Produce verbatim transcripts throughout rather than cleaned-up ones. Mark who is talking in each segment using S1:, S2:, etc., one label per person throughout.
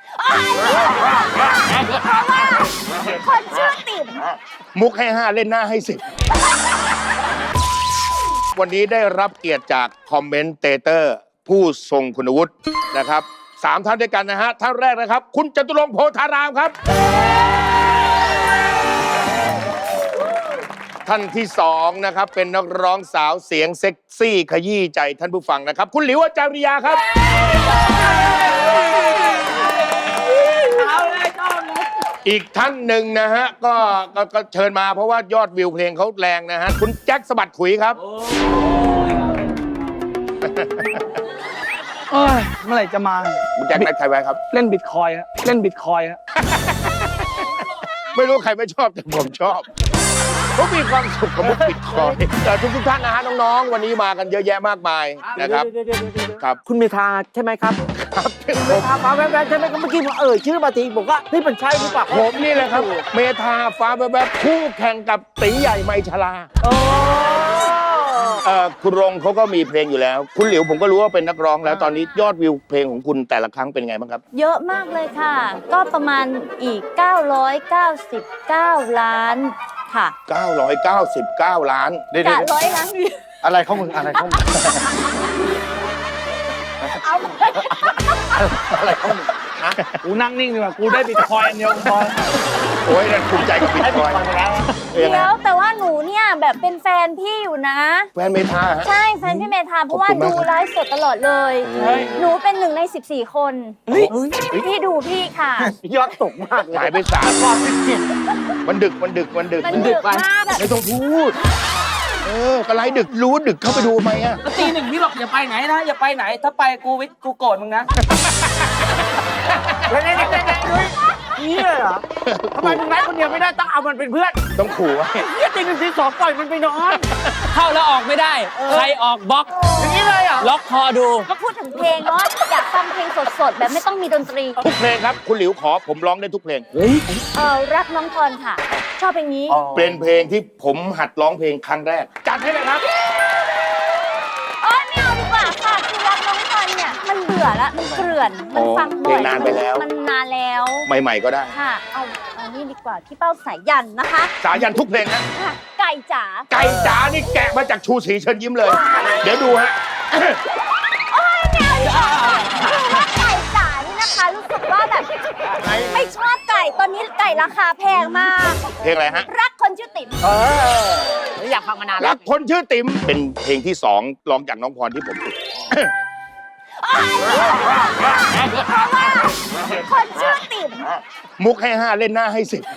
S1: คนชื่อติ๋ม
S2: มุกให้ห้าเล่นหน้าให้สิบวันนี้ได้รับเกียรติจากคอมเมนเตเตอร์ผู้ทรงคุณวุฒินะครับสามท่านด้วยกันนะฮะท่านแรกนะครับคุณจตุรงค์โพธารามครับท่านที่สองนะครับเป็นนักร้องสาวเสียงเซ็กซี่ขยี้ใจท่านผู้ฟังนะครับคุณหลิวอาจาริยาครับอีกท่านหนึ่งนะฮะก็ก็เชิญมาเพราะว่ายอดวิวเพลงเขาแรงนะฮะคุณแจ็คสะบัดขุยครับ
S3: เอ้ยเมื่อไหร่จะมา
S2: คุณแจ็คนัดใครไว้ครับ
S3: เล่นบิตคอยฮะเล่นบิตคอยฮะ
S2: ไม่รู้ใครไม่ชอบแต่ผมชอบเขามีความสุขกับมุกบิตคอยแต่ทุกทุกท่านนะฮะน้องๆวันนี้มากันเยอะแยะมากมายนะครับครับ
S4: คุณเมธาใช่ไหมครับครับเมธาฟ้าแวบๆใช่ไหมครับเมื่อกี้ผมเอ่ยชื่อมาทีผมว่านี่เป็นใช่หรือเปล่า
S2: ผมนี่แหละครับเมธาฟ้าแวบๆคู่แข่งกับตีใหญ่ไมชลา
S4: โอ้
S2: เอ่อคุณรงเขาก็มีเพลงอยู่แล้วคุณหลิวผมก็รู้ว่าเป็นนักร้องแล้วตอนนี้ยอดวิวเพลงของคุณแต่ละครั้งเป็นไงบ้างครับ
S1: เยอะมากเลยค่ะก็ประมาณอีกเก้าร้อยเก้าสิบเก้าล้านค่ะ
S2: เก้าร้อยเก้าสิบเก้าล้าน
S1: กะร้อยล้านวิว
S3: อะไรเข้ามึงอะไรเข้ามึง
S1: เอา
S3: อะไรเข้ามึงนะกูนั่งนิ่งดีกว่ากูได้บิตคอยน์เดียวพอ
S2: โอ้ยนั่นภูมิใจกับบิตคอยน์
S1: เดี๋ยวแต่ว่าหนูเนี่ยแบบเป็นแฟนพี่อยู่นะ
S2: แฟนเมธา
S1: ใช่แฟนพี่เมธาเพราะว่าดูไลฟ์สดตลอดเลยหนูเป็นหนึ่งในสิบสี่คนพี่ดูพี่ค่ะ
S4: ยอดตกมาก
S2: หายไปสามรอบสิบเจ็ดมันดึกมันดึกมันดึก
S1: มันดึกมาก
S2: ไม่ต้องพูดเออกระไรดึกรู้ดึกเข้าไปดูไหมอ่ะ
S4: ตีหนึ่งพี่บอกอย่าไปไหนนะอย่าไปไหนถ้าไปกูวิทกูโกรธมึงนะนี่เลยเหรอทำไมมึงไล่คนเดียวไม่ได้ต้องเอามันเป็นเพื่อน
S2: ต้องขู่ไว้
S4: เนี่ยตีหนึ่งตีสองปล่อยมันไปนอน
S5: เข้าแล้วออกไม่ได้ใครออกบล็อก
S4: อย่างนี้เลยเหรอ
S5: ล็อกคอดู
S1: ก็พูดถึงเพลงเนาะอยากฟังเพลงสดๆแบบไม่ต้องมีดนตรี
S2: ทุกเพลงครับคุณหลิวขอผมร้องได้ทุกเพลง
S1: เออรักน้องพรค่ะชอบเพลงนี้
S2: เป็นเพลงที่ผมหัดร้องเพลงครั้งแรกจัดให้เลยครับ
S1: โอ๊ยไม่เอาดีกว่าค่ะคือรักน้องพรเนี่ยมันเบื่อแล้วมันเกลื่อนมันฟังบ่อย
S2: นานไปแล้ว
S1: มันนานแล้ว
S2: ใหม่ๆก็ได้
S1: ค่ะเอาเอานี่ดีกว่าพี่เป้าสายยันนะคะ
S2: สายยันทุกเพลงนะ
S1: ไก่จ๋า
S2: ไก่จ๋านี่แกะมาจากชูศรีเชิญยิ้มเลยเดี๋ยวดูฮะ
S1: โอ๊ยไม่เอาดีกว่าคือว่าไก่จ๋านี่นะคะรู้สึกว่าแบบไม่ชอบไก่ตอนนี้ไก่ราคาแพงมาก
S2: เพลงอะไรฮะ
S1: รักคนชื่อติ๋ม
S4: เอออยากฟังมานานแล้ว
S2: รักคนชื่อติ๋มเป็นเพลงที่สองร้องจากน้องพรที่ผมฝึก
S1: คนชื่อติ๋ม
S2: มุกให้ห้าเล่นหน้าให้สิบ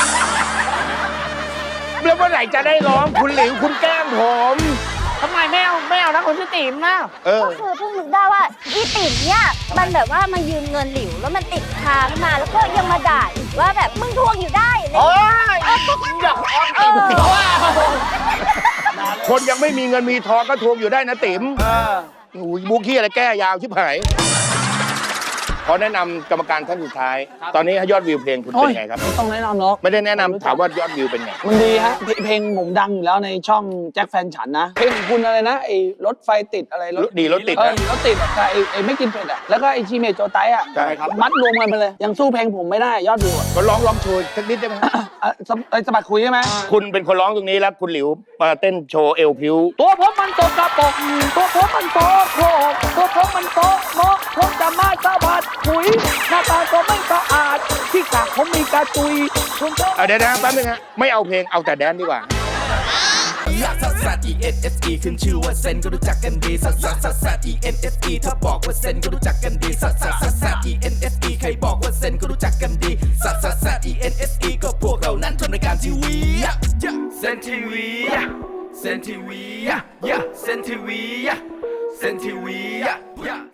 S2: แล้วเมื่อไหร่จะได้ร้องคุณหลิวคุณแก้มผม
S4: ทำไมไม่เอาไม่เอานะคนชื่อติ๋มนะ
S1: ก็คือเพิ่งนึกได้ว่าอีติ๋มเนี่ยมันแบบว่ามายืมเงินหลิวแล้วมันติดค้างมาแล้วก็ยังมาด่าอีกว่าแบบมึงทวงอยู่ได้เลย
S4: โอ้ยอยากอ้อนติ๋ม
S2: คนยังไม่มีเงินมีทองก็ทวงอยู่ได้นะติ๋มโอ้ยมุกขี้อะไรแก้ยาวชิบหายขอแนะนำกรรมการท่านสุดท้ายตอนนี้ยอดวิวเพลงคุณเป็นไงครับ
S3: ไม่ต้องแนะนำหรอก
S2: ไม่ได้แนะนำถามว่ายอดวิวเป็นไง
S3: มันดีฮะเพลงผมดังอยู่แล้วในช่องแจ็คแฟนฉันนะเพลงคุณอะไรนะไอ้รถไฟติดอะไร
S2: รถดีรถติดนะ
S3: รถติดแต่ไอ้ไอ้ไม่กินเผ็ดอ่ะแล้วก็ไอ้ชีเมโจไตอ่ะ
S2: ใช่ครับ
S3: มัดรวมกันไปเลยยังสู้เพลงผมไม่ได้ยอดวิว
S2: ก็ร้องร้องโชว์สักนิดได้ไหม
S3: ไอ้สะบัดคุยใช่ไหม
S2: คุณเป็นคนร้องตรงนี้แล้วคุณหลิวมาเต้นโชว์เอวพิว
S3: ตัวผมมันโตกระปกตัวผมมันโตโคกตัวผมมันโตโมกผมจะมาสะบัดคุยหน้าตาก็ไม่สะอาดที่กากผมมีกระตุย
S2: เดี๋ยวนะแป๊บนึงฮะไม่เอาเพลงเอาแต่แดนดีกว่า
S6: ลักซัสซัส อี เอ็น เอส อี ขึ้นชื่อว่าเซนก็รู้จักกันดีซัสซัสซัสซัส อี เอ็น เอส อี ถ้าบอกว่าเซนก็รู้จักกันดีซัสซัสซัสซัส อี เอ็น เอส อี ใครบอกว่าเซนก็รู้จักกันดีซัสซัสซัส อี เอ็น เอส อี ก็พวกเรานั้นทำรายการทีวีเซนทีวีเซนทีวีเซนทีวีเซนทีวี